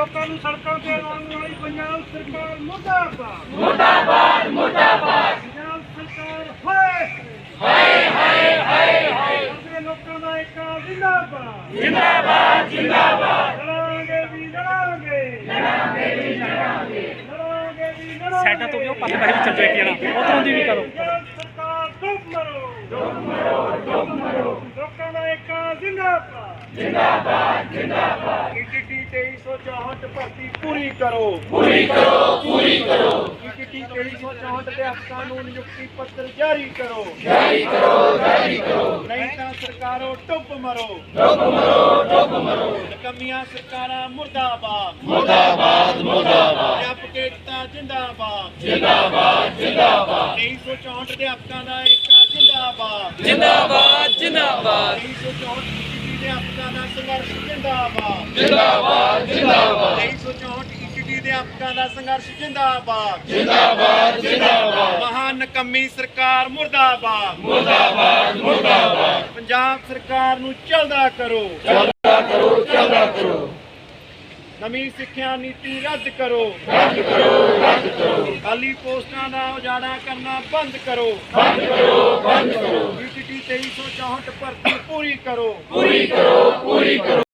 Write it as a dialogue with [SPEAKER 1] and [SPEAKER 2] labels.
[SPEAKER 1] ਲੋਕਾਂ ਨੂੰ ਸੜਕਾਂ ਤੇ ਲਾਉਣ ਵਾਲੀ ਪੰਜਾਬ ਸਰਕਾਰ ਮੁਰਦਾਬਾਦ
[SPEAKER 2] ਮੁਰਦਾਬਾਦ ਮੁਰਦਾਬਾਦ
[SPEAKER 1] ਪੰਜਾਬ ਸਰਕਾਰ ਹਾਏ
[SPEAKER 2] ਹਾਏ ਹਾਏ ਹਾਏ ਹਾਏ
[SPEAKER 1] ਸਾਡੇ ਲੋਕਾਂ ਦਾ ਇੱਕ ਜ਼ਿੰਦਾਬਾਦ
[SPEAKER 2] ਜਿੰਦਾਬਾਦ ਜਿੰਦਾਬਾਦ
[SPEAKER 1] ਲੜਾਂਗੇ ਵੀ ਲੜਾਂਗੇ
[SPEAKER 2] ਲੜਾਂਗੇ ਵੀ ਲੜਾਂਗੇ
[SPEAKER 1] ਲੜਾਂਗੇ ਵੀ ਲੜਾਂਗੇ
[SPEAKER 3] ਸਾਈਡਾਂ ਤੋਂ ਵੀ ਉਹ ਪਾਸੇ ਪਾਸੇ ਵੀ ਚੱਲ ਜਾਏ ਕਿ ਨਾ ਉਧਰੋਂ ਦੀ ਵੀ ਕਰੋ
[SPEAKER 1] ਪੰਜਾਬ ਸਰਕਾਰ ਡੁੱਬ ਮਰੋ
[SPEAKER 2] ਡੁੱਬ ਮਰੋ
[SPEAKER 1] ਲੋਕਾਂ ਦਾ ਇੱਕ ਜ਼ਿੰਦਾਬਾਦ
[SPEAKER 2] ਜਿੰਦਾਬਾਦ ਜਿੰਦਾਬਾਦ
[SPEAKER 1] ਈਟੀਟੀ 2364 ਭਰਤੀ ਪੂਰੀ ਕਰੋ
[SPEAKER 2] ਪੂਰੀ ਕਰੋ ਪੂਰੀ ਕਰੋ
[SPEAKER 1] ਈਟੀਟੀ 2364 ਦੇ ਅਫਸਰਾਂ ਨੂੰ ਨਿਯੁਕਤੀ ਪੱਤਰ ਜਾਰੀ ਕਰੋ
[SPEAKER 2] ਜਾਰੀ ਕਰੋ ਜਾਰੀ ਕਰੋ
[SPEAKER 1] ਨਹੀਂ ਤਾਂ ਸਰਕਾਰੋ ਡੁੱਬ ਮਰੋ
[SPEAKER 2] ਡੁੱਬ ਮਰੋ
[SPEAKER 1] ਨਕਮੀਆਂ ਸਰਕਾਰਾਂ ਮੁਰਦਾਬਾਦ
[SPEAKER 2] ਮੁਰਦਾਬਾਦ ਮੁਰਦਾਬਾਦ
[SPEAKER 1] ਅਧਿਆਪਕ ਏਕਤਾ ਜਿੰਦਾਬਾਦ
[SPEAKER 2] ਜਿੰਦਾਬਾਦ ਜਿੰਦਾਬਾਦ
[SPEAKER 1] 2364 ਦੇ ਅਫਸਰਾਂ ਦਾ ਏਕਤਾ ਜਿੰਦਾਬਾਦ
[SPEAKER 2] ਜਿੰਦਾਬਾਦ ਜਿੰਦਾਬਾਦ
[SPEAKER 1] 2364 ਈਟੀਟੀ ਦੇ ਅਫਸਰਾਂ ਦਾ ਸੰਘਰਸ਼ ਜਿੰਦਾਬਾਦ
[SPEAKER 2] ਜਿੰਦਾਬਾਦ ਜਿੰਦਾਬਾਦ
[SPEAKER 1] 2364 ਈਟੀਟੀ ਦੇ ਅਫਸਰਾਂ ਦਾ ਸੰਘਰਸ਼ ਜਿੰਦਾਬਾਦ
[SPEAKER 2] ਜਿੰਦਾਬਾਦ ਜਿੰਦਾਬਾਦ
[SPEAKER 1] ਮਹਾਨ ਨਕਮੀ ਸਰਕਾਰ ਮੁਰਦਾਬਾਦ
[SPEAKER 2] ਮੁਰਦਾਬਾਦ ਮੁਰਦਾਬਾਦ
[SPEAKER 1] ਪੰਜਾਬ ਸਰਕਾਰ ਨੂੰ ਚੱਲਦਾ ਕਰੋ
[SPEAKER 2] ਚੱਲਦਾ ਕਰੋ
[SPEAKER 1] ਨਵੀਂ ਸਿੱਖਿਆ ਨੀਤੀ ਰੱਦ ਕਰੋ
[SPEAKER 2] ਰੱਦ ਕਰੋ
[SPEAKER 1] ਖਾਲੀ ਪੋਸਟਾਂ ਦਾ ਉਜਾੜਾ ਕਰਨਾ ਬੰਦ ਕਰੋ
[SPEAKER 2] ਬੰਦ ਕਰੋ
[SPEAKER 1] ਈਟੀਟੀ 2364 ਭਰਤੀ ਪੂਰੀ ਕਰੋ
[SPEAKER 2] ਪੂਰੀ ਕਰੋ